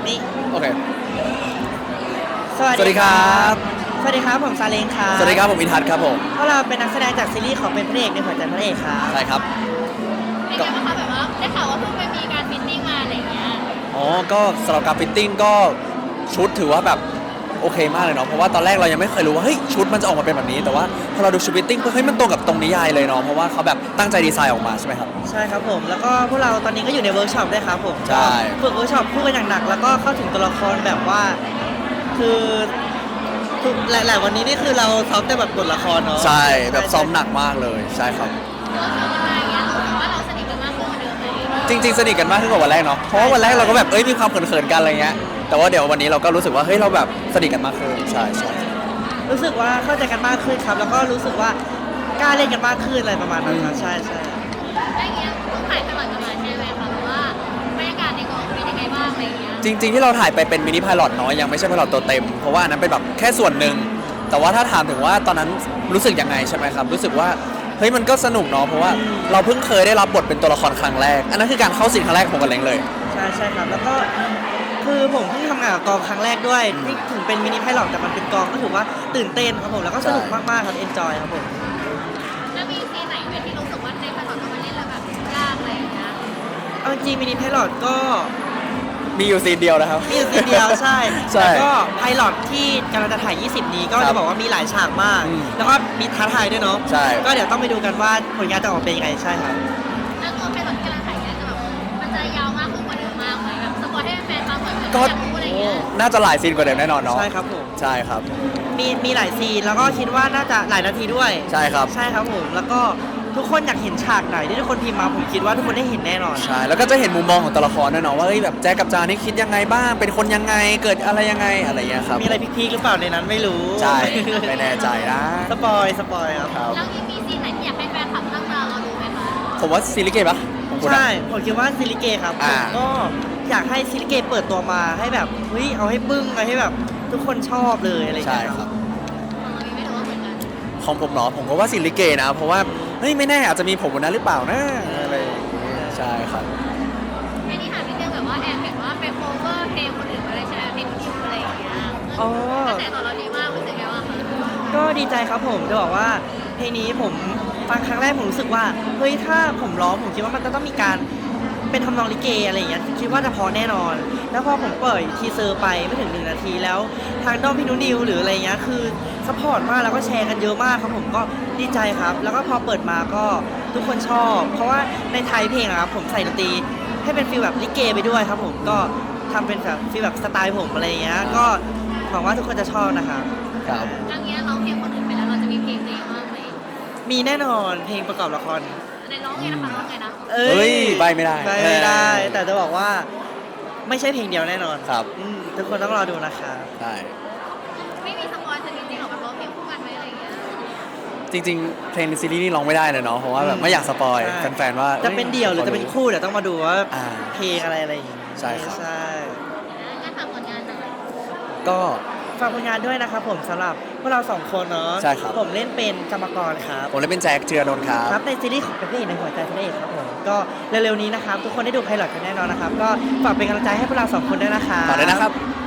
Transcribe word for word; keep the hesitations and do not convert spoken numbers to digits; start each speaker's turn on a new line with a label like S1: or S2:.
S1: นี่
S2: โอเค
S1: สวัสดีครับสวัสดีครับผมซาเลงครับ
S2: สวัสดีครับผมอินทัศน์ครับผม
S1: พวกเราเป็นนักแสดงจากซีรีส์ของเป็นพระเอกในหัวใจพระเอกครับ
S2: ใช่ครับ
S3: เป็นไงบ้างคะแบบว่าได้ข่าวว่าเพิ่งไปมีการฟิตติ้งมาอะไรอย่างเงี้ย
S2: อ๋อก็สำหรับการฟิตติ้งก็ชุดถือว่าแบบโอเคมากเลยเนาะเพราะว่าตอนแรกเรายังไม่เคยรู้ว่าเฮ้ยชุดมันจะออกมาเป็นแบบนี้แต่ว่าพอเราดูชุดฟิตติ้งเฮ้ยมันตรงกับตรงนิยายเลยเนาะเพราะว่าเขาแบบตั้งใจดีไซน์ออกมาใช่ไหมครับ
S1: ใช่ครับผมแล้วก็พวกเราตอนนี้ก็อยู่ในเวิร์กช็อปด้วยครับผม
S2: ใช่
S1: ฝึกเวิร์กช็อปคู่กันอย่างหนักแล้วก็เข้าถึงตัวละครแบบว่าคือทุกหลายๆวันนี้นี่คือเราซ้อมแต่แบบบทละครเนาะ
S2: ใช่แบบซ้อมหนักมากเลยใช่ครับ
S3: เราซ้อมกันมาอย่างเงี้ยรู้สึกว่าเราสนิทกันมากขึ้นกว่าเดิมไหม
S2: จริงๆสนิทกันมากขึ้นกว่าวันแรกเนาะเพราะว่าวันแรกเราก็แบบเอ้ยมีความเขินๆกันอะไรเงี้ยแต่ว่าเดี๋ยววันนี้เราก็รู้สึกว่าเฮ้ยเราแบบสนิทกันมากขึ้นใช่ใช่
S1: รู้สึกว่าเข้าใจกันมากขึ้นครับแล้วก็รู้สึกว่ากล้าเล่นกันมากขึ้นอะไรประมาณนั้นครับใช่ใช่
S3: อะไรเงี้ยต้องถ่ายตลอดกันมาใช่ไหมคะหรือว่าบรรยากาศในกองเป็นยังไงบ้างอะไรเงี้ย
S2: จริงๆที่เราถ่ายไปเป็นมินิพายลอตเนาะยังไม่ใช่พายลอตตัวเต็มเพราะว่าอันนั้นเป็นแบบแค่ส่วนหนึ่งแต่ว่าถ้าถามถึงว่าตอนนั้นรู้สึกยังไงใช่ไหมครับรู้สึกว่าเฮ้ยมันก็สนุกเนาะเพราะว่าเราเพิ่งเคยได้รับบทเป็นตัวละครครั้งแรกอันนั้นคือการเข้าซีนครั้งแรกของกันเล้งเลย
S1: ใช่ใช่ครับแล้วก็คือผมเพิ่งทำงานกับกองครั้งแรกด้วยที่ถึงเป็นมินิไพลอตแต่มันเป็นกองก็ถือว่าตื่นเต้นครับผมแล้วก็สนุกมากๆครับเอนจอยครับผม
S3: แล้วมีซีนไหนไหมที่รู้สึกว่าในภาษาต้องมาเล่นแล้วแบบยากอะไรอย่างเงี้ย
S1: เอาจริงมินิไพลอตก็
S2: มีอยู่ซีนเดียวนะครับ
S1: มีอยู่ซีนเดียวใช่
S2: ใช่
S1: แล้วก็ไพลอตที่กำลังจะถ่ายยี่สิบนี้ก็จะบอกว่ามีหลายฉากมากแล้วก็มีท้าทายด้วยเนาะ
S2: ใช่
S1: ก็เดี๋ยวต้องไปดูกันว่าผลงานจะออกมาเป็นยังไงใช่ครับ
S3: แล้วตัวไพลอตที่กำลังถ่ายเนี่ยจะแบบมันจะยาวมากขึ้นกว่าเดิมมากไหมแบบสปอยให้แฟนๆฟังหน่อยก็อยากรู้อะไรเงี้ย
S2: น่าจะหลายซีนกว่าเดิมแน่นอนเนาะ
S1: ใช่ครับผม
S2: ใช่ครับ
S1: มีมีหลายซีนแล้วก็คิดว่าน่าจะหลายนาทีด้วย
S2: ใช่ครับ
S1: ใช่ครับผมแล้วก็ทุกคนอยากเห็นฉากไหนที่ทุกคนพิมพ์มาผมคิดว่าทุกคนได้เห็นแน่นอน
S2: ใช่แล้วก็จะเห็นมุมมองของตัวละครด้วยเนาะว่าเฮ้ยแบบแจ๊กกับจานี่คิดยังไงบ้างเป็นคนยังไงเกิดอะไรยังไงอะไรอย่างเงี้ยครับ
S1: มีอะไรพีคๆหรือเปล่าในนั้นไม่รู้
S2: ใช่ไม่แน่ใจนะ
S1: สปอยสปอยครับ
S3: แล้วมีมีซีนไหนที่อยากให้แฟนคลับตั้งตารอดูไหมคะ
S2: ผมว่าซีรีส์เกมปะ
S1: ใช่ผมคิดว่าซิลิเกครับผมก็อยากให้ซิลิเกเปิดตัวมาให้แบบเฮ้ยเอาให้บึ้งเอาให้แบบทุกคนชอบเลยอะไรอย่างเงี้ยครับ
S2: ของผมเนาะผมก็ว่าซิลิเกนะเพราะว่าเฮ้ยไม่แน่อาจจะมีผมบนนั้นหรือเปล่านะอะไรใช่ครับ
S3: แค่นี้ถามนิดนึงแบบว่าแอบเห็นว่าไปโคเวอร์เพลงคนอื่นอะไรใช่ไหมเพลงคิวอะไรอย่างเงี้ยอ๋อกระแสตอบรับดีมากรู้สึกไงบ้างคะ
S1: ก็ดีใจครับผมจะบอกว่าเพลงนี้ผมฟังครั้งแรกผมรู้สึกว่าเฮ้ยถ้าผมร้องผมคิดว่ามันจะต้องมีการเป็นทำนองลิเกอะไรอย่างเงี้ยคิดว่าจะพอแน่นอนแล้วพอผมเปิดทีเซอร์ไปไม่ถึงหนึ่งนาทีแล้วทางด้อมพี่นุนิวหรืออะไรเงี้ยคือซัพพอร์ตมากแล้วก็แชร์กันเยอะมากครับผมก็ดีใจครับแล้วก็พอเปิดมาก็ทุกคนชอบเพราะว่าในไทยเพลงอะครับผมใส่ดนตรีให้เป็นฟีลแบบลิเกไปด้วยครับผมก็ทำเป็นแบบฟีลแบบสไตล์ผมอะไรเงี้ยก็หวังว่าทุกคนจะชอบนะครับ
S2: ครับ
S3: อันนี้เราเพลงคนอื่นไปแล้วเราจะมีเพลงตัวเองบ้างไหม
S1: มีแน่นอนเพลงประกอบละคร
S3: ในร้องไงนะคะร้องไงนะ
S1: เ
S2: อ้ยใบไม่ได้
S1: ใบไม่ได้แต่จะบอกว่าไม่ใช่เพลงเดียวแน่นอน
S2: ครับ
S1: ทุกคนต้องรอดูนะคะ
S2: ใช่
S3: ไม่มีสปอยล์จริงๆหรอกแบบร้องเพลงคู่กันไหมอะไรอย่างเงี้ย
S2: จริงๆเพลงในซีรีส์นี่ร้องไม่ได้เลยเนาะเพราะว่าแบบไม่อยากสปอยแฟนๆว่า
S1: จะเป็นเดี่ยวหรือจะเป็นคู่เดี๋ยวต้องมาดูว่าเพลงอะไรอะไรอย่างงี้
S2: ใช่ครับ
S1: ใช่
S3: งั้นฝากผลงานหน่อย
S2: ก็
S1: ฝากผลงานด้วยนะครับผมสำหรับพวกเราสองคนเนาะ
S2: ใช่ครับ
S1: ผมเล่นเป็นกรรมกรครับ
S2: ผมเล่นเป็นแจ็คเจือนนท์ครับ
S1: ครับในซีรีส์ของพระเอกในหัวใจพระเอกครับผมก็เร็วๆนี้นะครับทุกคนได้ดูไพลอตกันแน่นอนนะครับก็ฝากเป็นกำลังใจให้พวกเราสองคนด้วยนะครับ
S2: ฝากด้วยนะครับ